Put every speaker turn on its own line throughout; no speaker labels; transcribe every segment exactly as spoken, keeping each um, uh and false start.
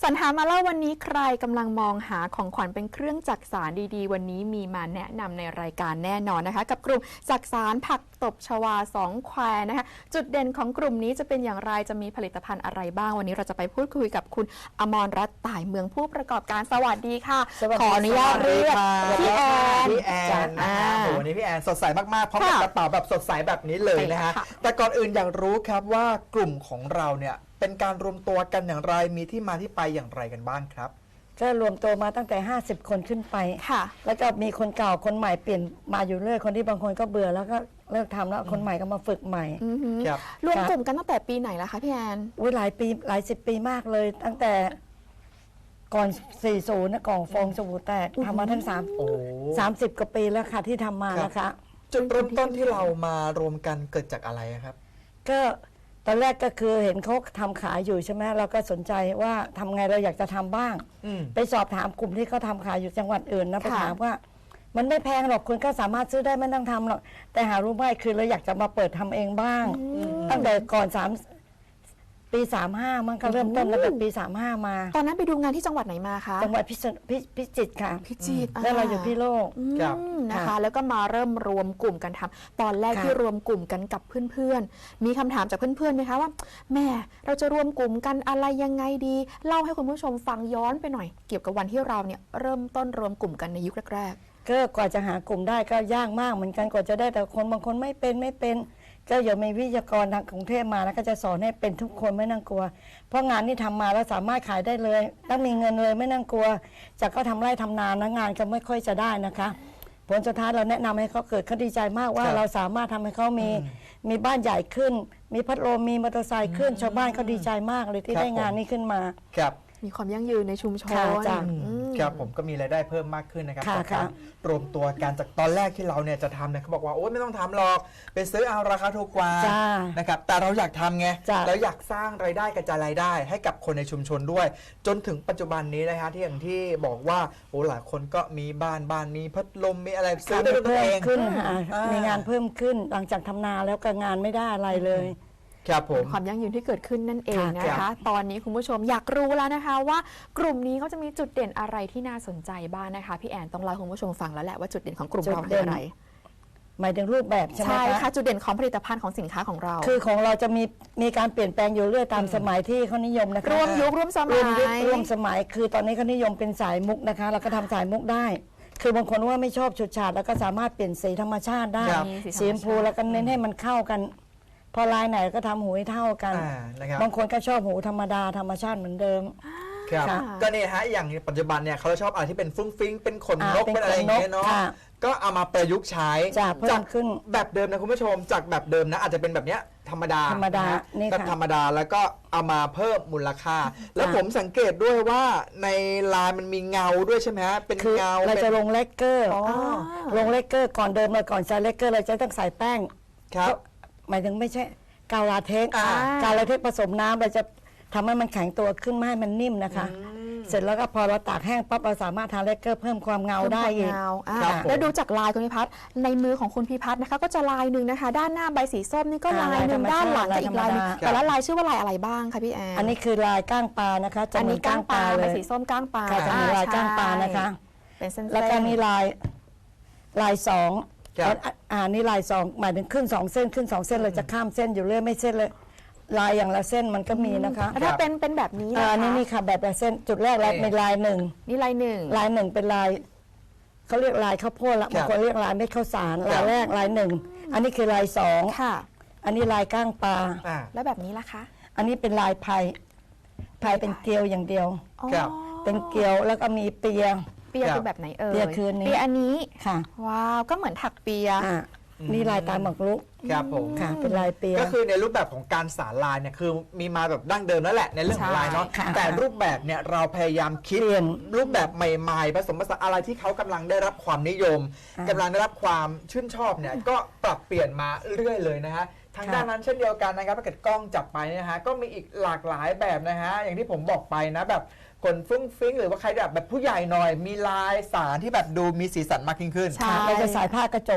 สรรหามาเล่าวันนี้ใครกำลังมองหาของขวัญเป็นเครื่องจักสานดีๆวันนี้มีมาแนะนำในรายการแน่นอนนะคะกับกลุ่มจักสานผักตบชวาสองแควนะคะจุดเด่นของกลุ่มนี้จะเป็นอย่างไรจะมีผลิตภัณฑ์อะไรบ้างวันนี้เราจะไปพูดคุยกับคุณอมรรัตน์ต่ายเมืองผู้ประกอบการสวัสดีค่ะขออนุญาตเรียกพี่แอน
พี่แอนนะคะโอ้โหนี่พี่แอนสดใสมากๆพร้อมกับกระเป๋าแบบสดใสแบบนี้เลยนะฮะแต่ก่อนอื่นอยากรู้ครับว่ากลุ่มของเราเนี่ยเป็นการรวมตัวกันอย่างไรมีที่มาที่ไปอย่างไรกันบ้างครับ
ก็รวมตัวมาตั้งแต่ห้าสิบคนขึ้นไป
ค่ะ
แล้วก็มีคนเก่าคนใหม่เปลี่ยนมาอยู่เรื่อยคนที่บางคนก็เบื่อแล้วก็เลิกทำแล้วคนใหม่ก็มาฝึกใหม่
รวมกลุ่มกันตั้งแต่ปีไหนแล้วคะพี่แอน
อุ้ยหลายปีหลายสิบปีมากเลยตั้งแต่ก่อนสี่สิบนะกล่องฟองสบู่แตกทำมาทั้งสามสามสิบกว่าปีแล้วค่ะที่ทำมานะคะ
จุดเริ่มต้นที่เรามารวมกันเกิดจากอะไรครับ
ก็ตอนแรกก็คือเห็นเขาทำขายอยู่ใช่ไหมเราก็สนใจว่าทำไงเราอยากจะทำบ้างไปสอบถามกลุ่มที่เขาทำขายอยู่จังหวัดอื่นนะไปถามว่ามันไม่แพงหรอกคุณก็สามารถซื้อได้ไม่ต้องทำหรอกแต่หารู้ไหมคือเราอยากจะมาเปิดทำเองบ้างตั้งแต่ก่อนสามปีสามห้ามันก็เริ่มต้นตั้งแต่ปีสามห้ามา
ตอนนั้นไปดูงานที่จังหวัดไหนมาคะ
จังหวัดพิจิตรค่ะ
พิจิตร
แล้วเราอยู่พิโลก
นะคะแล้วก็มาเริ่มรวมกลุ่มกันทำตอนแรกที่รวมกลุ่มกันกับเพื่อนๆมีคำถามจากเพื่อนๆไหมคะว่าแม่เราจะรวมกลุ่มกันอะไรยังไงดีเล่าให้คุณผู้ชมฟังย้อนไปหน่อยเกี่ยวกับวันที่เราเนี่ยเริ่มต้นรวมกลุ่มกันในยุคแรก
ๆก็กว่าจะหากลุ่มได้ก็ยากมากเหมือนกันกว่าจะได้แต่คนบางคนไม่เป็นไม่เป็นก็อย่ามีวิทยากรทางกรุงเทพมาแล้วก็จะสอนให้เป็นทุกคนไม่นั่งกลัวเพราะงานที่ทำมาแล้วสามารถขายได้เลยต้องมีเงินเลยไม่นั่งกลัวจากก็ทำไร่ทำนานะงานก็ไม่ค่อยจะได้นะคะผลสุดท้ายเราแนะนำให้เขาเกิดเขาดีใจมากว่าเราสามารถทำให้เขามีมีบ้านใหญ่ขึ้นมีพัดลมมีมอเตอร์ไซค์ขึ้นชาวบ้านเขาดีใจมากเลยที่ได้งานนี้ขึ้นมา
ครับ
มีความยั่งยืนในชุมชน
ครับผมก็มีรายได้เพิ่มมากขึ้นนะครับจากการรวมตัวกันจากตอนแรกที่เราเนี่ยจะทำเนี่ยเขาบอกว่าโอ๊ยไม่ต้องทำหรอกไปซื้อเอาราคาถูกกว่านะครับแต่เราอยากทำไงแล้วอยากสร้างรายได้กระจายรายได้ให้กับคนในชุมชนด้วยจนถึงปัจจุบันนี้นะฮะที่อย่างที่บอกว่าโอ้หลายคนก็มีบ้านบ้านมีพัดลมมีอะไรซื้อได้ด้วยตัวเอง
ขึ้นมีงานเพิ่มขึ้นหลังจากทำนาแล้วก็งานไม่ได้อะไรเลย
ความยั่งยืนที่เกิดขึ้นนั่นเองนะคะตอนนี้คุณผู้ชมอยากรู้แล้วนะคะว่ากลุ่มนี้เขาจะมีจุดเด่นอะไรที่น่าสนใจบ้างนะคะพี่แอนต้องเล่าให้คุณผู้ชมฟังแล้วแหละว่าจุดเด่นของกลุ่มเราคืออะไร
หมายถึงรูปแบบใช่ไหมคะ
ใช่ค่ะจุดเด่นของผลิตภัณฑ์ของสินค้าของเรา
คือของเราจะมีมีการเปลี่ยนแปลงอยู่เรื่อยตามสมัยที่เขานิยมนะคะ
ร่วมยุคร่วมสมัย
ร่วมสมัยคือตอนนี้เขานิยมเป็นสายมุกนะคะเราก็ทำสายมุกได้คือบางคนว่าไม่ชอบฉุดฉาดแล้วก็สามารถเปลี่ยนสีธรรมชาติได้สีชมพูแล้วก็เน้นให้มันเข้ากันพอลายไหนก็ทำหูให้เท่ากันบางคนก็ชอบหูธรรมดาธรรมชาติเหมือนเดิม
ครับก็นี่ฮะอย่างปัจจุบันเนี่ยเขาชอบอะไรที่เป็นฟุ้งฟิ้งเป็นขนนกเป็นอะไรอย่างเงี้ยเนาะก็เอามาประยุกต์ใช้
จากขึ้น
แบบเดิมนะคุณผู้ชมจากแบบเดิมนะอาจจะเป็นแบบเนี้ยธรรมดา
ธรรมดา
แบบธรรมดาแล้วก็เอามาเพิ่มมูลค่าแล้วผมสังเกตด้วยว่าในลายมันมีเงาด้วยใช่ไหมฮะเป็นเงา
เราจะลงเลกเกอร์ลงเลกเกอร์ก่อนเดิมเลยก่อนใส่เลกเกอร์เราจะต้องใส่แป้ง
ครับ
หมายถึงไม่ใช่กาวลาเทคกาวลาเทคผสมน้ำเราจะทำให้มันแข็งตัวขึ้นไม่ให้มันนิ่มนะคะเสร็จแล้วก็พอเราตากแห้งปั๊บเราสามารถทาเลกเกอร์เพิ่มความเงาได้อีก
แล้วดูจากลายคุณพิพัฒน์ในมือของคุณพิพัฒน์นะคะก็จะลายหนึ่งนะคะด้านหน้าใบสีส้มนี่ก็ลายหนึ่งด้านหลังก็อีกลายนึงแต่ละลายชื่อว่าลายอะไรบ้างคะพี่แอน
อันนี้คือลายก้างปลานะคะ
อันนี้ก้างปลาใบสีส้มก้างปลา
จะมีลายก้างปลานะคะแล้วก็มีลายลายสองอ่านี่ลายสองหมายถึงขึ้นสองเส้นขึ้นสองเส้นเราจะข้ามเส้นอยู่เรื่อยไม่เส้นเลยลายอย่างละเส้นมันก็มีนะคะ
ถ้าเป็นเป็นแบบนี้นะคะ
นี่นี่ค่ะแบบละเส้นจุดแรกแล้วมีลายหนึ่ง
นี่ลายหนึ่ง
ลายหนึ่งเป็นลายเขาเรียกลายข้าวโพดละบางคนเรียกลายเม็ดข้าวสารลายแรกลายหนึ่งอันนี้คือลายสอง
ค่ะ
อันนี้ลายก้างปลา
แล้วแบบนี้ล่ะคะ
อันนี้เป็นลายไผ่ไผ่เป็นเกลียวอย่างเดียวเป็นเกลียวแล้วก็มีเปีย
เปียคือแบบไหนเอ่ย
เปียคือนี้
เปียอันนี้
ค่ะ
ว้าวก็เหมือนถักเปีย
นี่ลายตาหมากรุก
ครับผม
ค่ะเป็นลายเปีย
ก็คือในรูปแบบของการสารลายเนี่ยคือมีมาแบบดั้งเดิมแล้วแหละในเรื่องของลายเนาะแต่รูปแบบเนี่ยเราพยายามคิดรูปแบบใหม่ๆผสมผสานอะไรที่เขากำลังได้รับความนิยมกำลังได้รับความชื่นชอบเนี่ยก็ปรับเปลี่ยนมาเรื่อยเลยนะฮะทางด้านนั้นเช่นเดียวกันนะครับถ้าเกิดกล้องจับไปนะฮะก็มีอีกหลากหลายแบบนะฮะอย่างที่ผมบอกไปนะแบบคนฟุ้งฟิ้งหรือว่าใครแบบแบบผู้ใหญ่หน่อยมีลายสารที่แบบดูมีสีสันมากยิ่งขึ้น
เราจะใส่ผ้ากระจก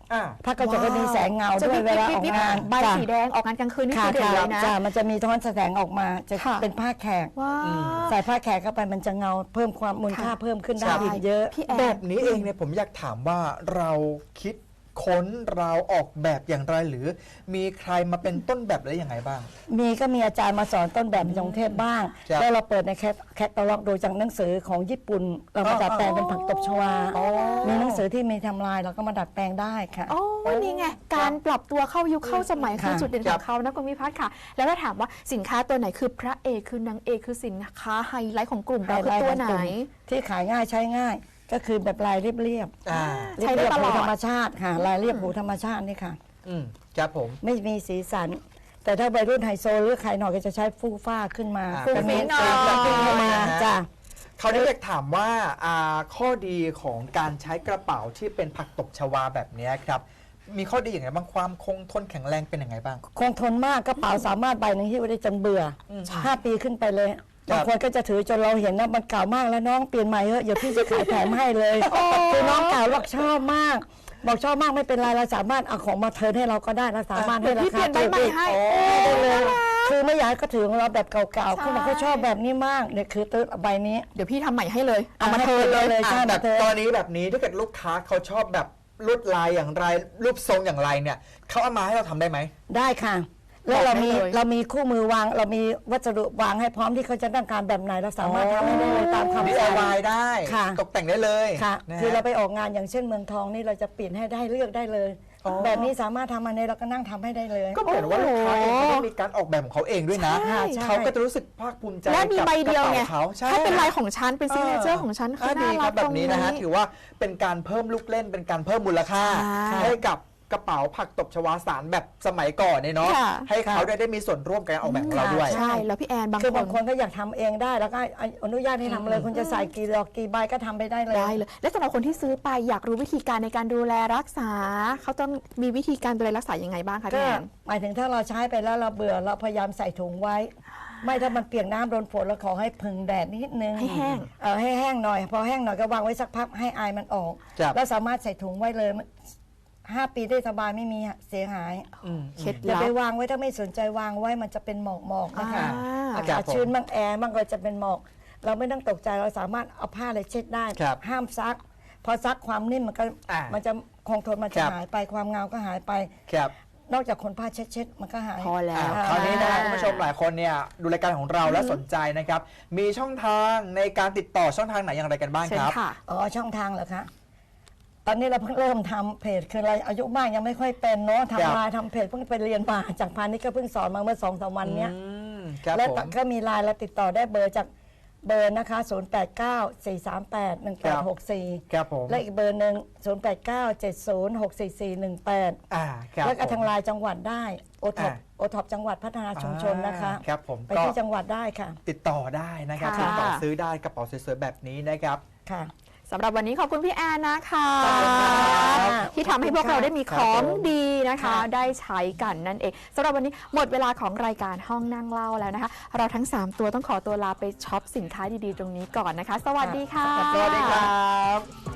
อ่า
ผ้ากระจกก็มีแสงเงา
จะ
ด้ว
มี
ยเวลาออกงาน
ใบสีแดงออกงานกลางคืนนี่
ค่ะ
คือเด่นเลยนะ
จ้ะมันจะมีท้อนแสงออกมาจะ
ค่ะ
เป็นผ้าแขก
ว้า
อืม
ว
ใส่ผ้าแขกเข้าไปมันจะเงาเพิ่มความมูลค่า
ค่ะ
เพิ่มขึ้นได้
ใช่
อีกเยอะ
พี่แอน
แบบนี้เองเนี่ยผมอยากถามว่าเราคิดค้นเราออกแบบอย่างไรหรือ มีใครมาเป็นต้นแบบและยังไงบ้าง
มีก็มีอาจารย์มาสอนต้นแบบในกรุงเทพบ้าง
ครับ
แล้วเราเปิดในแคทแคตตาล็อกโดยจากหนังสือของญี่ปุ่น เรามา
อ๋อ
ดัดแปลงเป็นผักตบชวา
อ๋อ
มีหนังสือที่มีทำลายเราก็มาดัดแปลงได้ค่ะ
โอ้นี่ไง การปรับตัวเข้ายุคเข้าสมัยคือ
ค่ะ
จุดเด่นของเขานะคุณวิพัฒน์ค่ะ แล้วถ้าถามว่าสินค้าตัวไหนคือพระเอกคือนางเอกคือสินค้าไฮไลท์ของกลุ่มเราคือตัวไหน
ที่ขายง่ายใช้ง่าย ก็คือแบบลายเรียบ
อ่า
ๆ
ใช้ได้
เรียบ
ต
ๆ
ล
หู
อด
ธรรมชาติค่ะลายเรียบหูธรรมชาตินี่ค่ะ
อืมครับผม
ไม่มีสีสัน แต่ถ้าวัยรุ่นไฮโซหรือใครหน่อยก็จะใช้ฟูฟ้าขึ้นมา
อ่า
จะมี
หน่อย
จะขึ้นเข้ามาจ้ะ
เขาได้อยากถามว่าอ่าข้อดีของการใช้กระเป๋าที่เป็นผักตบชวาแบบนี้ครับ มีข้อดีอย่างไรบ้างความคงทนแข็งแรงเป็นยังไงบ้าง
คงทนมากกระเป๋าสามารถใบหนึ่งที่ไว้ได้จนเบื่ออ
ม
ห้าปีขึ้นไปเลย
ครับ
บางคนก็จะถือจนเราเห็นนะมันเก่ามากแล้วน้องเปลี่ยนใหม่เถอะเดี๋ยวพี่จะขายแถมให้เลยคือน้องเก่าบอกชอบมาก บอกชอบมากไม่เป็นไรเราสามารถเอาของมาเทิร์นให้เราก็ได้เราสามารถให้รา
พี่เป
คา
ลี่ยนใบใหม่ให้
ได้เลย คือไม่อยากให้เขาถือของเราแบบเก่าๆ
ใช่
เขาบอกเขาชอบแบบนี้มากเนี่ยคือตื้อใบนี้
เดี๋ยวพี่ทำใหม่ให้เลย เอามาเทิร์นเลย
เลย
อ่ะ
ใช่
แบ
มา
บ
เทิร์
ตอน
น
นี้แบบนี้ถ้าเกิดลูกค้าเขาชอบแบบลวดลายอย่างไร รูปทรงอย่างไรเนี่ยเขาเอามาให้เราทำได้ไหม
ได้ค่ะ แล้วเรามี
บอกได้เลย
เรามีคู่มือวาง เรามีวัสดุวางให้พร้อมที่เขาจะต้องการแบบไหนเราสามารถทำให้ได้เลยตามคำ
ดี
สั่ง
ไอวายได้
ค่ะ
ตกแต่งได้เลย
ค่ะ
นะฮะ
คือเราไปออกงานอย่างเช่นเมืองทองนี่เราจะเปลี่ยนให้ได้เลือกได้เลย
อ๋อ
แบบนี้สามารถทำอันนี้เราก็นั่งทำให้ได้เลย
ก็เหมือนว่าลูกค้าเองเขาต้องมีการออกแบบของเขาเองด้วยนะ
ใช่ใช่
เขาก็จะรู้สึกภาคภูมิใจ
และมี
กับ
ใบเดียวไง
กระป๋าเขาใช่
ถ้าเป็นลายของฉันเป็นซิกเนเจอร์ของฉันคือ
ดี
น่า
ค
รั
รั
ก
บแบ
ตร
บ
ง
นี้
นี้
นะฮะถือว่าเป็นการเพิ่มลูกเล่นเป็นการเพิ่มมูลค่า
ใช่
ให้กับกระเป๋าผักตบชวาสารแบบสมัยก่อนเนี่ยเนาะ
ค่ะ
ให้เขาได้ได้มีส่วนร่วมกับการออกแบบของเราด้วย
ใช่ แล้วพี่แอนบาง
คือบาง
ค
คน นก็อยากทำเองได้แล้วก็อนุญาตให้ทำเลยคุณจะใส่กี่ดอกกี่ใบก็ทำไปได้เลย
ได้เลย และสำหรับคนที่ซื้อไปอยากรู้วิธีการในการดูแลรักษา เขาต้องมีวิธีการดูแลรักษายังไงบ้างคะ
ก็
พี่แอน
หมายถึงถ้าเราใช้ไปแล้วเราเบื่อเราพยายามใส่ถุงไว้ ไม่ถ้ามันเปียกน้ำโดนฝนเราขอให้พึ่งแดดนิดนึง
ให้แห้ง
เออให้แห้งหน่อย พอแห้งหน่อยก็วางไว้สักพักให้อายมันออก
ครับ
แล้วสามารถใส่ถุงไว้เลยห้าปีได้สบายไม่มีเสียหาย
อืม
เคล็ด
อย่า
ลับ
ไปวางไว้ถ้าไม่สนใจวางไว้มันจะเป็นหมอกหมอกๆนะคะ
อ่า
อากาศชื้นบ้างแอร์บ้างก็จะเป็นหมอก เราไม่ต้องตกใจเราสามารถเอาผ้าอะไรเช็ดได้
ครับ
ห้ามซัก พอซักความนิ่มมันก็
อ่ามั
มันจะคงทนมัน
ค
จะ
รับ
หายไปความเงาก็หายไป
ครับ
นอกจากคนผ้าเช็ดเช็ดๆมันก็หาย
พอแล้
อ่าว คราวนี้นะฮะคุณผู้ชมหลายคนเนี่ยดูรายการของเราแล้วสนใจนะครับ มีช่องทางในการติดต่อช่องทางไหนอย่างไรกันบ้าง
เชิ
ค
ญ
รับ
ค่ะ
อ๋อช่องทางเหรอคะ ตอนนี้เราเพิ่งเริ่มทำเพจคืออะไรอายุมากยังไม่ค่อยเป็นเนาะ
ครับ
ทำไลน์ทำเพจเพิ่งไปเรียนมาจากพาณิชย์ก็เพิ่งสอนมาเมื่อสองสามวันเนี้ย
อืมครับ
และ
ผม
ก็มีไลน์เราติดต่อได้เบอร์จากเบอร์นะคะ ศูนย์ แปด เก้า สี่ สาม แปด หนึ่ง แปด หก สี่
ครับผม
และอีกเบอร์หนึ่ง ศูนย์ แปด เก้า เจ็ด ศูนย์ หก สี่ สี่ หนึ่ง แปด
อ่าครับ
แล้วก็ทาง
ผม
ไลน์จังหวัดได้โอท็อป
อ่า
โอท็อปจังหวัดพัฒนาชุมชนนะคะ
อ่าครับผม
ไป
ก็
ที่จังหวัดได้ค่ะ
ติดต่อได้นะครับ
ค่ะ
ติดต่อซื้อได้กระเป๋าสวยๆแบบนี้นะครับ
ค่ะ
สำหรับวันนี้ขอบคุณพี่แอนนะคะ
ขอบคุณค่ะ
ที่ทำให้พวกเราได้มี
ครั
ข
บ
อง
ผม
ดีนะคะ
ค่ะ
ได้ใช้กันนั่นเองสำหรับวันนี้หมดเวลาของรายการห้องนั่งเล่าแล้วนะคะ เราทั้งสามตัวต้องขอตัวลาไปช็อปสินค้าดีๆตรงนี้ก่อนนะคะ สวัสดีค่ะ
สวัสดีครับ